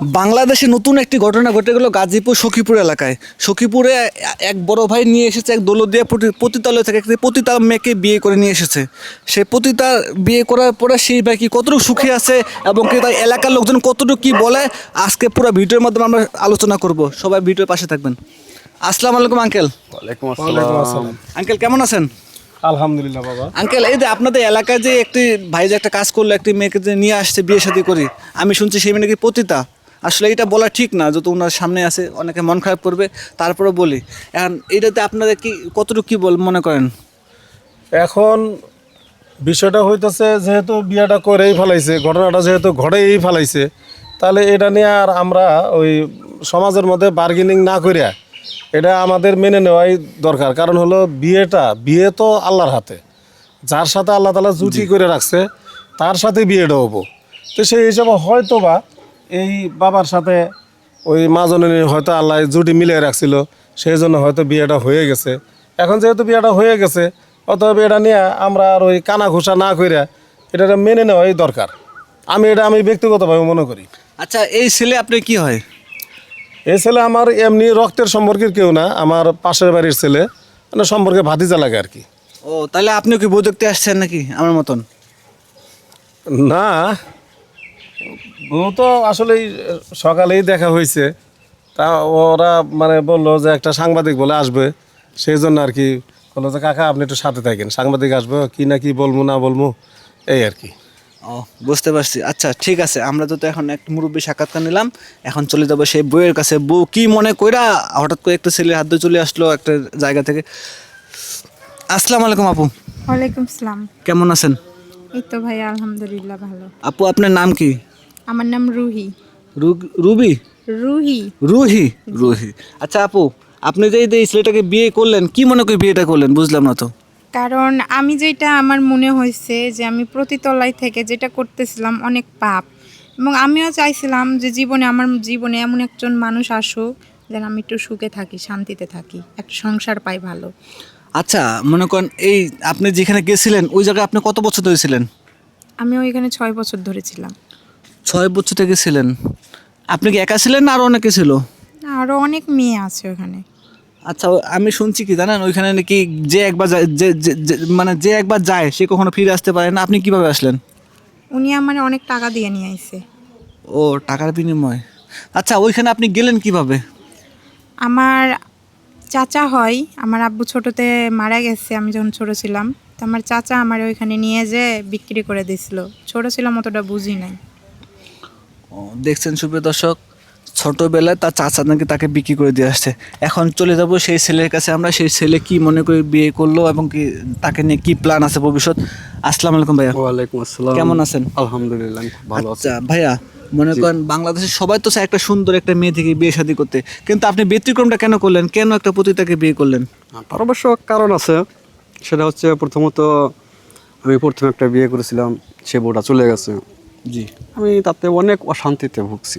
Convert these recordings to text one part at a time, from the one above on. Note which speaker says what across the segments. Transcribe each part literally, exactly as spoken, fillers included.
Speaker 1: বাংলাদেশে নতুন একটি ঘটনা ঘটে গেল গাজীপুর সখীপুর এলাকায়। সখীপুরে এক বড় ভাই নিয়ে এসেছে এক দৌলতদিয়া পতি- পতিতালয় থেকে একটি পতিতা মেয়েকে বিয়ে করে নিয়ে এসেছে। সে পতিতা বিয়ে করার পরে সেই ভাই কি কতটুকু সুখী আছে এবং কি তার এলাকার লোকজন কতটুকু কি বলে আজকে পুরো ভিডিওর মাধ্যমে আমরা আলোচনা করব। সবাই ভিডিওর পাশে থাকবেন। আসসালামু আলাইকুম আঙ্কেল।
Speaker 2: ওয়ালাইকুম
Speaker 3: ওয়ালাইকুম
Speaker 2: আসসালাম।
Speaker 3: আসসালাম।
Speaker 1: আঙ্কেল কেমন আছেন?
Speaker 3: আলহামদুলিল্লাহ বাবা।
Speaker 1: আঙ্কেল এই যে আপনাদের এলাকায় যে একটি ভাই যে একটা কাজ করলো একটি মেয়েকে যে নিয়ে আসছে বিয়ে শাদী করি, আমি শুনছি সেই মেয়ে নাকি পতিতা। আসলে এটা বলা ঠিক না, যত ওনার সামনে আছে অনেকে মন খারাপ করবে, তারপরে বলি এখন এইটাতে আপনাদের কি কতটুকু কি বল মনে করেন?
Speaker 3: এখন বিষয়টা হইতেছে যেহেতু বিয়েটা করেই ফেলাইছে, ঘটনাটা যেহেতু ঘটেই ফেলাইছে, তাহলে এটা নিয়ে আর আমরা ওই সমাজের মধ্যে বার্গেনিং না করিয়া এটা আমাদের মেনে নেওয়াই দরকার। কারণ হলো বিয়েটা বিয়ে তো আল্লাহর হাতে, যার সাথে আল্লাহ তাআলা জুটি করে রাখছে তার সাথে বিয়েটা হবো। তো সেই হিসাবে হয়তো বা এই বাবার সাথে ওই মাজনের হয়তো আল্লাহ জুটি মিলিয়ে রাখছিল, সেই জন্য হয়তো বিয়েটা হয়ে গেছে। এখন যেহেতু বিয়েটা হয়ে গেছে, অতএব এটা নিয়ে আমরা আর ওই কানা ঘোষা না করিয়া এটা মেনে নেওয়াই দরকার। আমি এটা আমি ব্যক্তিগতভাবে মনে করি।
Speaker 1: আচ্ছা এই ছেলে আপনি কি হয়?
Speaker 3: এই ছেলে আমার এমনি রক্তের সম্পর্কের কেউ না, আমার পাশের বাড়ির ছেলে, মানে সম্পর্কে ভাতিজা লাগে আর কি।
Speaker 1: ও তাহলে আপনি কি বউ দেখতে আসছেন নাকি আমার মতন?
Speaker 3: না, বউ তো আসলেই সকালেই দেখা হয়েছে, তা ওরা মানে বললো যে একটা সাংবাদিক বলে আসবে, সেই জন্য আর কি বললো যে কাকা আপনি একটু সাথে থাকেন, সাংবাদিক আসবে কি না কি বলবো না বলবো এই আর কি।
Speaker 1: ও বুঝতে পারছি। আচ্ছা ঠিক আছে, আমরা তো এখন এক মুরব্বী সাক্ষাৎকার নিলাম, এখন চলে যাবো সেই বউয়ের কাছে। বউ কি মনে কইরা হঠাৎ করে একটা ছেলের হাত ধরে চলে আসলো একটা জায়গা থেকে। আসসালামু আলাইকুম আপু,
Speaker 4: ওয়ালাইকুম সালাম।
Speaker 1: কেমন আছেন?
Speaker 4: এই তো ভাই আলহামদুলিল্লাহ ভালো।
Speaker 1: আপু আপনার নাম কি?
Speaker 4: আমার নাম রুহি।
Speaker 1: রু- রুবি?
Speaker 4: রুহি।
Speaker 1: রুহি? রুহি। আচ্ছা আপু, আপনি যে এই যে এই ছেলেটাকে বিয়ে করলেন, কি মনে করে বিয়েটা করলেন বুঝলাম না তো।
Speaker 4: কারণ আমি যেটা আমার মনে হয়েছে যে আমি প্রতিতলায় থেকে যেটা করতেছিলাম অনেক পাপ, এবং আমিও চাইছিলাম যে জীবনে আমার জীবনে এমন একজন মানুষ আসুক যেন আমি একটু সুখে থাকি, শান্তিতে থাকি, একটা সংসার পাই ভালো।
Speaker 1: আচ্ছা মনে করেন এই আপনি যেখানে গেছিলেন ওই জায়গায় আপনি কত বছর ধরে ছিলেন?
Speaker 4: আমি ওইখানে ছয় বছর ধরে ছিলাম।
Speaker 1: ছয় বছর থেকে ছিলেন। আপনি কি একা ছিলেন না আরও অনেকে ছিল?
Speaker 4: আরও অনেক মেয়ে আছে ওখানে।
Speaker 1: আচ্ছা আমি শুনছি কি জানেন, ওইখানে নাকি যে একবার যায় যে যে- যে- মানে যে একবার যায় সে কখনো ফিরে আসতে পারে না। আপনি কিভাবে আসলেন?
Speaker 4: উনি আমার অনেক টাকা দিয়ে নিয়ে আইছে।
Speaker 1: ও টাকার বিনিময়। আচ্ছা ওইখানে আপনি গেলেন কিভাবে?
Speaker 4: আমার চাচা হয়, আমার আব্বু ছোটোতে মারা গেছে আমি যখন ছোটো ছিলাম, তো আমার চাচা আমার ওইখানে নিয়ে যেয়ে বিক্রি করে দিয়েছিল। ছোটো ছিলাম অতটা বুঝি নাই।
Speaker 1: ও দেখছেন সুপ্রিয় দর্শক, ছোটোবেলায় তার চাচা নাকি তাকে বিক্রি করে দিয়ে আসছে। এখন চলে যাব সেই ছেলের কাছে আমরা, সেই ছেলে কি মনে করে বিয়ে করলো এবং কি তাকে নিয়ে কি প্ল্যান আছে ভবিষ্যৎ। আসসালামু আলাইকুম ভাইয়া,
Speaker 2: ওয়ালাইকুম আসসালাম।
Speaker 1: কেমন আছেন?
Speaker 2: আলহামদুলিল্লাহ আমি খুব ভালো আছি।
Speaker 1: আচ্ছা ভাইয়া, মনে করেন বাংলাদেশের সবাই তো চায় একটা সুন্দর একটা মেয়ে থেকে বিয়ে শাদী করতে, কিন্তু আপনি ব্যতিক্রমটা কেন করলেন? কেন একটা পতিতাকে বিয়ে করলেন?
Speaker 2: তার অবশ্য কারণ আছে, সেটা হচ্ছে প্রথমত আমি প্রথমে একটা বিয়ে করেছিলাম, সে বউটা চলে গেছে,
Speaker 1: জি
Speaker 2: আমি তাতে অনেক অশান্তিতে ভুগছি।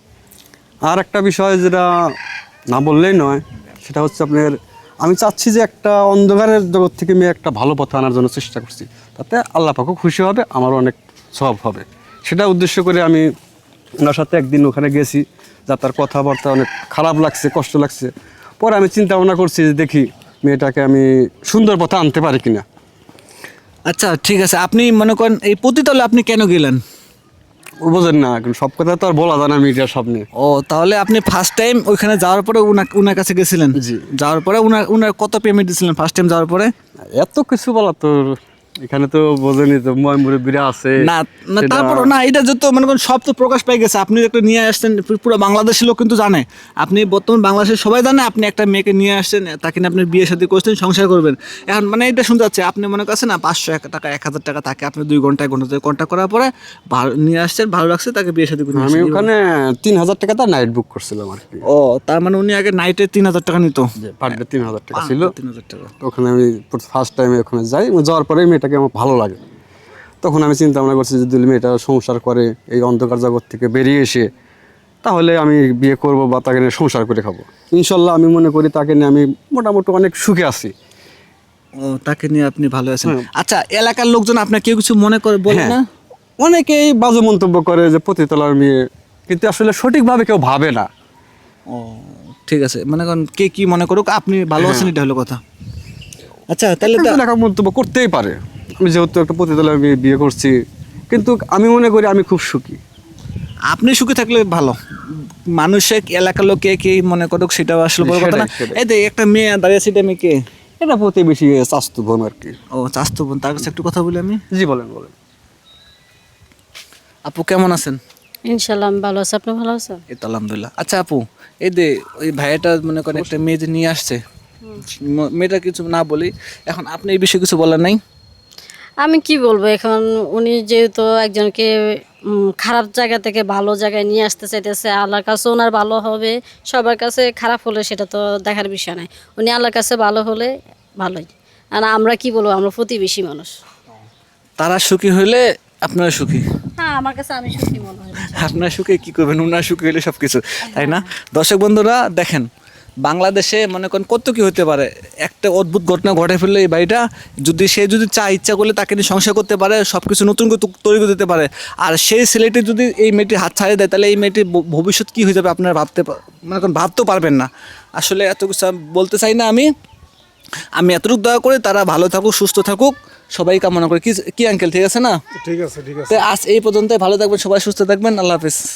Speaker 2: আর একটা বিষয় যেটা না বললেই নয়, সেটা হচ্ছে আপনার আমি চাচ্ছি যে একটা অন্ধকারের জগৎ থেকে মেয়ে একটা ভালো পথে আনার জন্য চেষ্টা করছি, তাতে আল্লাহ পাকও খুশি হবে, আমারও অনেক সওয়াব হবে। সেটা উদ্দেশ্য করে আমি ওনার সাথে একদিন ওখানে গেছি, যা তার কথাবার্তা অনেক খারাপ লাগছে, কষ্ট লাগছে। পরে আমি চিন্তা ভাবনা করছি যে দেখি মেয়েটাকে আমি সুন্দর পথে আনতে পারি কিনা।
Speaker 1: আচ্ছা ঠিক আছে, আপনি মনে করেন এই পতিতালয়ে আপনি কেন গেলেন?
Speaker 2: ও বোঝেন না, এখন সব কথা তো আর বলা যায় না মিডিয়ার সামনে।
Speaker 1: ও তাহলে আপনি ফার্স্ট টাইম ওইখানে যাওয়ার পরে উনা উনার কাছে গেছিলেন?
Speaker 2: জি।
Speaker 1: যাওয়ার পরে উনার উনার কত পেমেন্ট দিয়েছিলেন ফার্স্ট টাইম যাওয়ার পরে?
Speaker 2: এত কিছু বলা তো এখানে তো বোঝেনি, তো ময় মুরব্বীরা আছে
Speaker 1: না না
Speaker 2: সেটা-
Speaker 1: তারপর না, এটা যত মনে করেন সব তো প্রকাশ পেয়ে গেছে। আপনি একটা নিয়ে আসছেন, পু- পুরো বাংলাদেশের লোক কিন্তু জানে। আপনি বর্তমান বাংলাদেশের সবাই জানে আপনি একটা মেয়েকে নিয়ে আসছেন, তাকে নিয়ে আপনি বিয়ে শাদী করছেন, সংসার করবেন। এখন মানে এটা শুনতে যাচ্ছে আপনি মনে করছেন না পাঁচশো এক টাকা এক হাজার টাকা তাকে আপনি দুই ঘন্টায় ঘন্টা কন্ট্যাক্ট করার পরে ভালো নিয়ে আসছেন, ভালো লাগছে, তাকে বিয়ে শাদী করে নিয়ে
Speaker 2: আমি
Speaker 1: আসছেন।
Speaker 2: ওখানে তিন হাজার টাকা তার নাইট বুক করছিলাম আর কি।
Speaker 1: ও তার মানে উনি আগে নাইটে তিন হাজার টাকা নিত?
Speaker 2: পার ডে তিন হাজার টাকা ছিল।
Speaker 1: তিন হাজার টাকা।
Speaker 2: তো ওখানে আমি ফার্স্ট টাইমে ওখানে যাই, যাওয়ার পরে মেয়েটাকে আমার ভালো লাগে। তখন আমি চিন্তা ভাবনা করছি যে যদি মেয়েটা সংসার করে এই অন্ধকার জগৎ থেকে বেরিয়ে এসে, তাহলে আমি বিয়ে করব বা তাকে নিয়ে সংসার করে খাবো। ইনশাল্লাহ আমি মনে করি তাকে নিয়ে আমি মোটামুটি অনেক সুখে আছি।
Speaker 1: ও তাকে নিয়ে আপনি ভালো আছেন। আচ্ছা এলাকার লোকজন আপনার কেউ কিছু মনে করে বলে
Speaker 2: হ্যাঁ।
Speaker 1: না?
Speaker 2: অনেকেই বাজে মন্তব্য করে যে পতিতলার মেয়ে কিন্তু আসলে সঠিকভাবে কেউ ভাবে না।
Speaker 1: ও ঠিক আছে, মানে কারণ কে কি মনে করুক, আপনি ভালো আছেন এটা হলো কথা। আচ্ছা তাহলে তো
Speaker 2: একজন একা মন্তব্য করতেই পারে। আমি যেহেতু একটা পতিতালয় মেয়ে বিয়ে করছি, কিন্তু আমি মনে করি আমি খুব সুখী।
Speaker 1: আপনি সুখী থাকলে ভালো, মানুষের এলাকার লোক কে কি মনে করুক সেটা আসলে বড় কথা না।
Speaker 2: সেটাই, সেটাই।
Speaker 1: এই যে একটা মেয়ে দাঁড়িয়ে আছে, এটা মেয়ে কে?
Speaker 2: এটা প্রতিবেশী স্বাস্থ্য বোন আর কি।
Speaker 1: ও চাস্তো বোন, তার কাছে একটু কথা বলি আমি।
Speaker 2: জি বলেন বলেন।
Speaker 1: আপু কেমন আছেন?
Speaker 5: ইনশাল্লাহ আমি ভালো আছি, আপনি ভালো আছেন?
Speaker 1: এই তো আলহামদুলিল্লাহ। আচ্ছা আপু, এই যে ওই ভাইয়াটা মনে করেন একটা মেয়ে যে নিয়ে আসছে, ম- মেয়েটা কিছু না বলি, এখন আপনি এই বিষয়ে কিছু বলার নাই?
Speaker 5: আমি কি বলবো এখন, উনি যেহেতু একজনকে উম, খারাপ জায়গা থেকে ভালো জায়গায় নিয়ে আসতে চাইতেছে, আল্লাহর কাছে ওনার ভালো হবে, সবার কাছে খারাপ হলে সেটা তো দেখার বিষয় নাই। উনি আল্লাহর কাছে ভালো হলে ভালোই। আর আমরা কি বলবো, আমরা প্রতিবেশী মানুষ।
Speaker 1: তারা সুখী হইলে আপনারা সুখী,
Speaker 5: হ্যাঁ, আমার কাছে আমি সুখী মনে হয়।
Speaker 1: আপনার সুখে কি করবেন, উনার সুখী হলে সব কিছু, তাই না? দর্শক বন্ধুরা দেখেন, বাংলাদেশে মনে করেন কত কি হতে পারে, একটা অদ্ভুত ঘটনা ঘটে ফেললে এই বাড়িটা, যদি সে যদি চায় ইচ্ছা করলে তাকে নিয়ে সংসার করতে পারে, সব কিছু নতুন করে তু- তৈরি করে দিতে পারে। আর সেই ছেলেটি যদি এই মেয়েটি হাত ছাড়িয়ে দেয়, তাহলে এই মেয়েটির ভ- ভবিষ্যৎ কী হয়ে যাবে আপনারা ভাবতে পা- মনে করেন ভাবতেও পারবেন না। আসলে এত কিছু আমি বলতে চাই না। আমি আমি এতটুকু দয়া করে তারা ভালো থাকুক, সুস্থ থাকুক, সবাই কামনা করি। কি কি আঙ্কেল, ঠিক আছে না?
Speaker 3: ঠিক আছে ঠিক আছে।
Speaker 1: তো আজ এই পর্যন্ত, ভালো থাকবেন সবাই, সুস্থ থাকবেন, আল্লাহ হাফিজ।